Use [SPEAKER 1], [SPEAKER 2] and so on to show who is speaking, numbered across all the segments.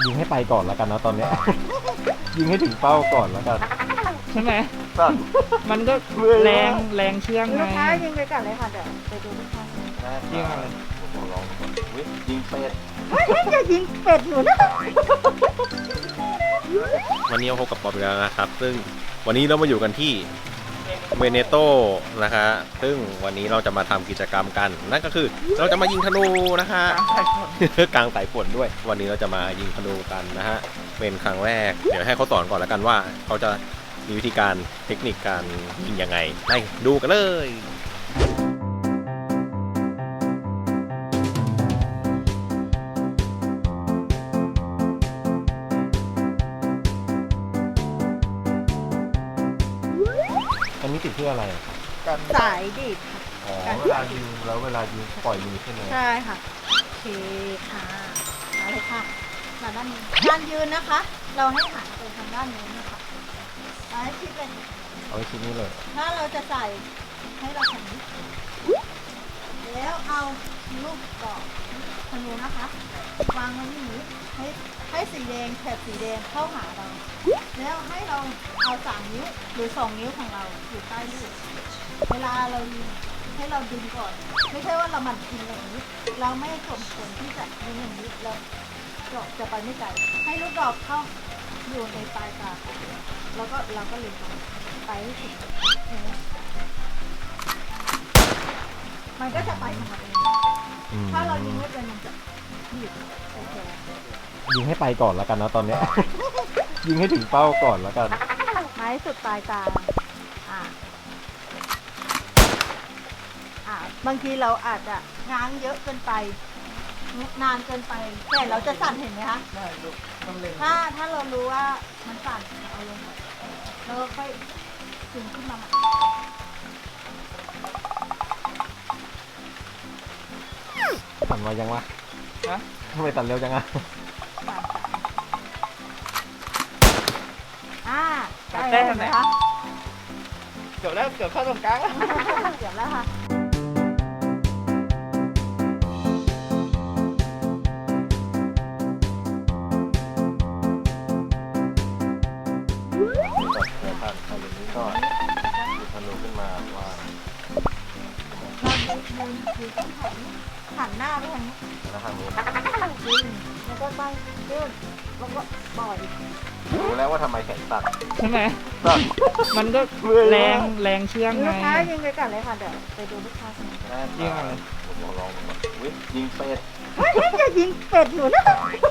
[SPEAKER 1] ยิงให้ไปก่อนแล้วกันนะตอนนี้ ยิงให้ถึงเป้าก่อนแล้วกัน
[SPEAKER 2] ใช่ไหมมันก็แรงเชื่องไง
[SPEAKER 3] ลูกค้ายิงไปก่อนเลยค่ะเดี๋ยวไปดูลูกค้า
[SPEAKER 2] ยิงอะไร
[SPEAKER 1] ผมลองก่อนยิงเป็ด
[SPEAKER 3] อย่ายิงเป็ดหนูนะ
[SPEAKER 1] วันนี้เราพบกับป๊อปแล้วนะครับซึ่งวันนี้เรามาอยู่กันที่เวเนโตนะคะซึ่งวันนี้เราจะมาทำกิจกรรมกันนั่นก็คือเราจะมายิงธนูนะคะกลางสายฝนด้วยวันนี้เราจะมายิงธนูกันนะฮะเป็นครั้งแรกเดี๋ยวให้เขาสอนก่อนแล้วกันว่าเขาจะมีวิธีการเทคนิคการยิงยังไงไปดูกันเลยอันนี้ติดเพื่ออะไร
[SPEAKER 3] สายดีดค่ะ
[SPEAKER 1] อ๋อเวลายิงแล้วเวลายิงปล่อยมือใช่ไหม
[SPEAKER 3] ใช่ค่ะโอเคค่ะมาเลยค่ะมาด้านนี้ด้านยืนนะคะ เราให้หันไปทางด้านนี้นะคะให้ชิดเลย
[SPEAKER 1] เอาไว้ชิ้นนี้เลย
[SPEAKER 3] ถ้าเราจะใส่ให้เราทำนี้แล้วเอาลูกดอกธนูนะคะวางไว้ที่นี้ให้สีแดงแถบสีแดงเข้าหาเราแล้วให้เราเอา3 นิ้วหรือ2 นิ้วของเราอยู่ใต้ลูกเวลาเรายิงให้เราดึงก่อนไม่ใช่ว่าเรามันยิงอย่างนี้เราไม่สมควรที่จะยิงอย่างนี้แล้วดอกจะไปไม่ไกลให้ลูกดอกเข้าอยู่ในปลายตาแล้วก็เราก็เล็งไปให้ถึงมันก็จะไปของมันเองถ้าเรายิงไม่เป็นมันจะหยุดโอเค
[SPEAKER 1] ยิงให้ไปก่อนแล้วกันนะตอนนี้ ยิงให้ถึงเป้าก่อนแล้วกัน
[SPEAKER 3] ไม้สุดปลายตาบางทีเราอาจจะง้างเยอะเกินไปนานเกินไปแต่เราจะสั่นเห็นไหมคะใช่ลูกต้องเล็งถ้าเรารู้ว่ามันสั่นเอาลงแล้วก็ค่อยดึงขึ้นมาใหม่
[SPEAKER 1] สั่นมายังวะทำไมสั่นเร็วจังอะ
[SPEAKER 3] ได้ไหมคะ
[SPEAKER 2] เกือบแล้วเกือบเข้าตรงกลางแล้ว
[SPEAKER 3] เกือบแล้วค่ะ
[SPEAKER 1] เดี๋ยวผ่านทางนี้ก่อนดูธนูขึ้นมาวาง
[SPEAKER 3] เราดูต้นหันหน้าไปทางนี้
[SPEAKER 1] แล้วทางนู้น
[SPEAKER 3] ดึงแล้วก็ไปดึงแล้วก็ปล่อย
[SPEAKER 1] รู้แล้วว่าทำไมแขนสั่น
[SPEAKER 2] ใช่ไหมมันก็แรงเชื่องไง
[SPEAKER 3] ลูกค้ายิงไปก่อนเลยค่ะเดี๋ยวไปดูลูกค้า
[SPEAKER 1] ยิงอะไรผมลองก่อนยิงเป็ด
[SPEAKER 3] อย่ายิงเป็ดหนูนะ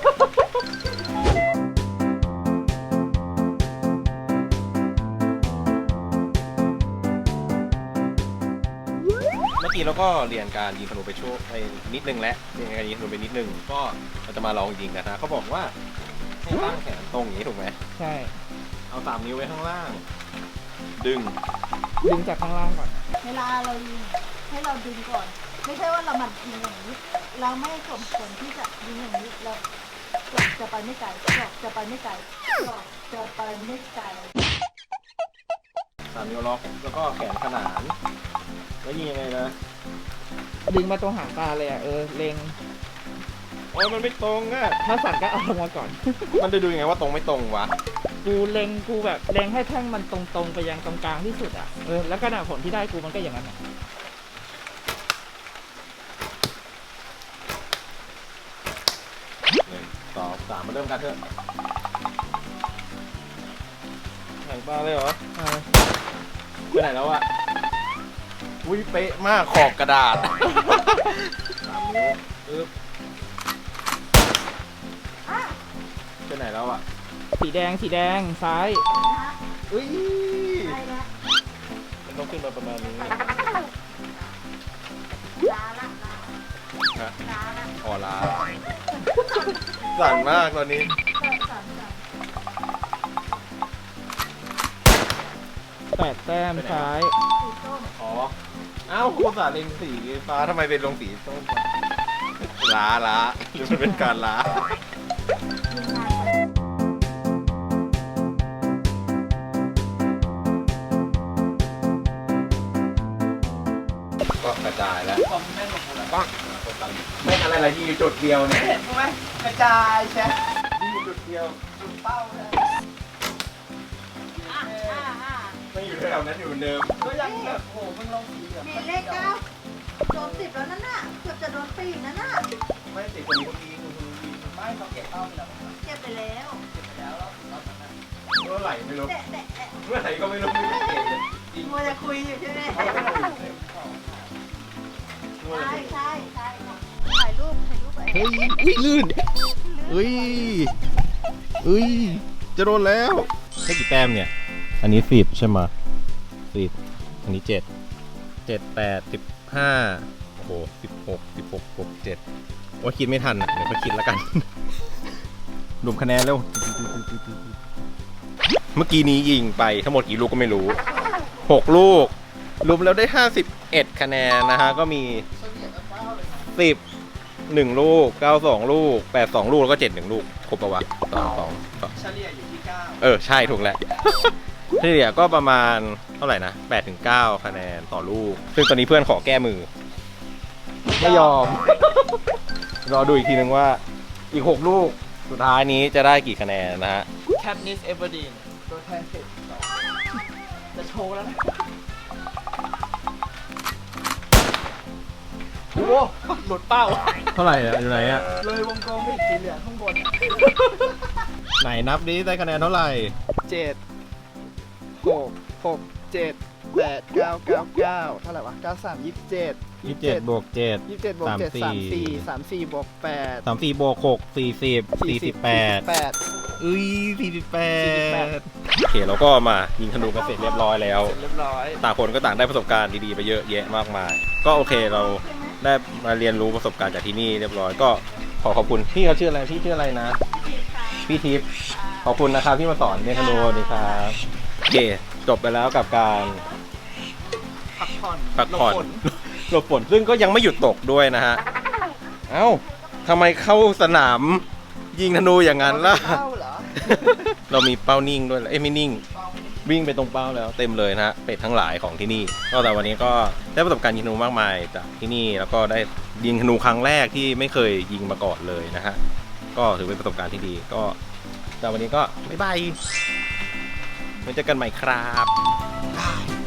[SPEAKER 1] เมื่อกี้เราก็เรียนการยิงธนูไปช่วงไปนิดนึงแล้วเรียนการยิงธนูไปนิดนึงก็เราจะมาลองยิงกันนะเขาบอกว่าให้ตั้งแขนตรงอย่างนี้ถูกไหม
[SPEAKER 2] ใช่
[SPEAKER 1] เอา3 นิ้วไว้ข้างล่างดึง
[SPEAKER 2] จากข้างล่างก่อน
[SPEAKER 3] เวลาเรายิงให้เราดึงก่อนไม่ใช่ว่าเรามันยิงอย่างนี้เราไม่สมควรที่จะยิงอย่างนี้เราจะไปไม่ไกลจะไปไม่ไกลจะไปไม่ไกล
[SPEAKER 1] 3 นิ้วล็อกแล้วก็แขนขนานแล้วยิงยังไงนะ
[SPEAKER 2] ดึงมาตรงหางตาเลยเล็ง
[SPEAKER 1] โอ้ยมันไม่ตรงอ่ะ
[SPEAKER 2] ถ้าสั่นก็เอาลงมาก่อน
[SPEAKER 1] มันจะดูยังไงว่าตรงไม่ตรงวะ
[SPEAKER 2] กูเล็งกูแบบเล็งให้แท่งมันตรงไปยังตรงกลางที่สุดอ่ะแล้วก็ผลที่ได้กูมันก็อย่างนั้น
[SPEAKER 1] 1 2 3มาเริ่มกันเถอะหางตาเลยเหรอไปไหนแล้วอะอุ้ยเป๊ะมากขอบกระดาษ3 นิ้วไปไหนแล้วอะ
[SPEAKER 2] สีแดงซ้าย
[SPEAKER 1] อุ้ยมันต้องขึ้นมาประมาณนี้ฮะอ๋อลาสั่นมากตอนนี้
[SPEAKER 2] 8 แต้มซ้าย
[SPEAKER 1] อ๋ออ้าวคุณสาเล็งสีฟ้าทำไมเป็นลงสีส้มล้าหรือมันเป็นการล้าก็กระจายแล้วปังไม่อะไรที่อยู่จุดเดียวเนี่ย
[SPEAKER 2] เห็นไหมกระจายใช่
[SPEAKER 1] ที่อยู่ดียว
[SPEAKER 2] จุดเป้าเลย
[SPEAKER 3] อ่ะ
[SPEAKER 1] ไม่อยู่แถวนั้นอยู่เหมือนเดิม
[SPEAKER 2] ก็ยังแบบโหมึงลงสีเหลือง
[SPEAKER 3] มีเลข9โดน10แล้วนั่นน่ะเกือบจะโดนปีกนั่นน่ะ
[SPEAKER 1] ไม่ติดคนนี้คนนี้คนนี้
[SPEAKER 2] ไม่เขาเก็บเป้าไปแล้ว
[SPEAKER 3] เก็บไปแล้ว
[SPEAKER 2] เก็บไปแล้วรอบนั้นนะ
[SPEAKER 1] เมื่อไหร่ไม่รู้
[SPEAKER 3] แต่
[SPEAKER 1] เมื่อไหร่ก็ไม่รู้ไม่ได้เก็บเลย
[SPEAKER 3] มัวจะคุยอยู่ใช่ไหม
[SPEAKER 1] มัวแต่
[SPEAKER 3] ใช่ถ่ายรูปไป
[SPEAKER 1] เฮ้ยอุ้ยลื่นเฮ้ยเฮ้ยจะโดนแล้วได้กี่แต้มเนี่ยอันนี้10ใช่ไหม10อันนี้7 7 8 15โอ้โห16บวก7ว่าคิดไม่ทันอ่ะเดี๋ยวก็คิดแล้วกัน รวมคะแนนแล้วเมื่อกี้นี้ยิงไปทั้งหมดกี่ลูกก็ไม่รู้6ลูกรวมแล้วได้51คะแนนนะฮะก็มี10 1ลูก92ลูก82ลูกแล้วก็71ลูกครบปะวะ2
[SPEAKER 2] เฉลี่ยอยู่ที่9
[SPEAKER 1] ใช่ถูกแล้ว เฉลี่ยก็ประมาณเท่าไหร่นะ8 ถึง 9คะแนนต่อลูกซึ่งตอนนี้เพื่อนขอแก้มือไม่ยอม รอดูอีกทีนึงว่าอีก6ลูกสุดท้ายนี้จะได้กี่คะแนนนะฮะ
[SPEAKER 2] แคปนิสเอเวอร์ดีนตัวแทนเสร็จจะโชว์แล้วนะโอ้หลุดเป้า
[SPEAKER 1] เท่าไหร่อ่ะอยู่ไหนอ่ะ
[SPEAKER 2] เลยวงกลมไปอีกสีเหลืองข้างบน
[SPEAKER 1] ไหนนับดิได้คะแนนเท่าไหร่
[SPEAKER 2] 7 6 6 7 8 9 9 9เท่าไหร่วะ9 3 27
[SPEAKER 1] 27บวก7
[SPEAKER 2] 27บวก7 34 34บวก8
[SPEAKER 1] 34บวก6 40 48
[SPEAKER 2] 8
[SPEAKER 1] เอ้ย48โอเคเราก็มายิงธนูกันเสร็จเรียบร้อยแล้ว
[SPEAKER 2] เรียบร้อย
[SPEAKER 1] ต่างคนก็ต่างได้ประสบการณ์ดีๆไปเยอะแยะมากมาย ก็โอเคเราได้มาเรียนรู้ประสบการณ์จากที่นี่เรียบร้อยก็ขอขอบคุณพี่เขาชื่ออะไรพี่ชื่ออะไรนะ พี่ทิพย์ขอบคุณนะครับที่มาสอนเรียนธนูดีครับโอเคจบไปแล้วกับการ
[SPEAKER 2] พักผ่อน
[SPEAKER 1] พักผ่อน
[SPEAKER 2] หลบฝน
[SPEAKER 1] หลบฝนซึ่งก็ยังไม่หยุดตกด้วยนะฮะเอ้าทำไมเข้าสนามยิงธนูอย่างนั้นล่ะ
[SPEAKER 2] เข้าเหรอ
[SPEAKER 1] เรามีเป้านิ่งด้วยเหรอไม่นิ่ง วิ่งไปตรงเป้าแล้วเต็มเลยนะฮะเป็ดทั้งหลายของที่นี่ก็แต่วันนี้ก็ได้ประสบการณ์ยิงธนูมากมายจากที่นี่แล้วก็ได้ยิงธนูครั้งแรกที่ไม่เคยยิงมาก่อนเลยนะฮะก็ถือเป็นประสบการณ์ที่ดีก็แต่วันนี้ก็บ๊ายบายไว้เจอกันใหม่ครับ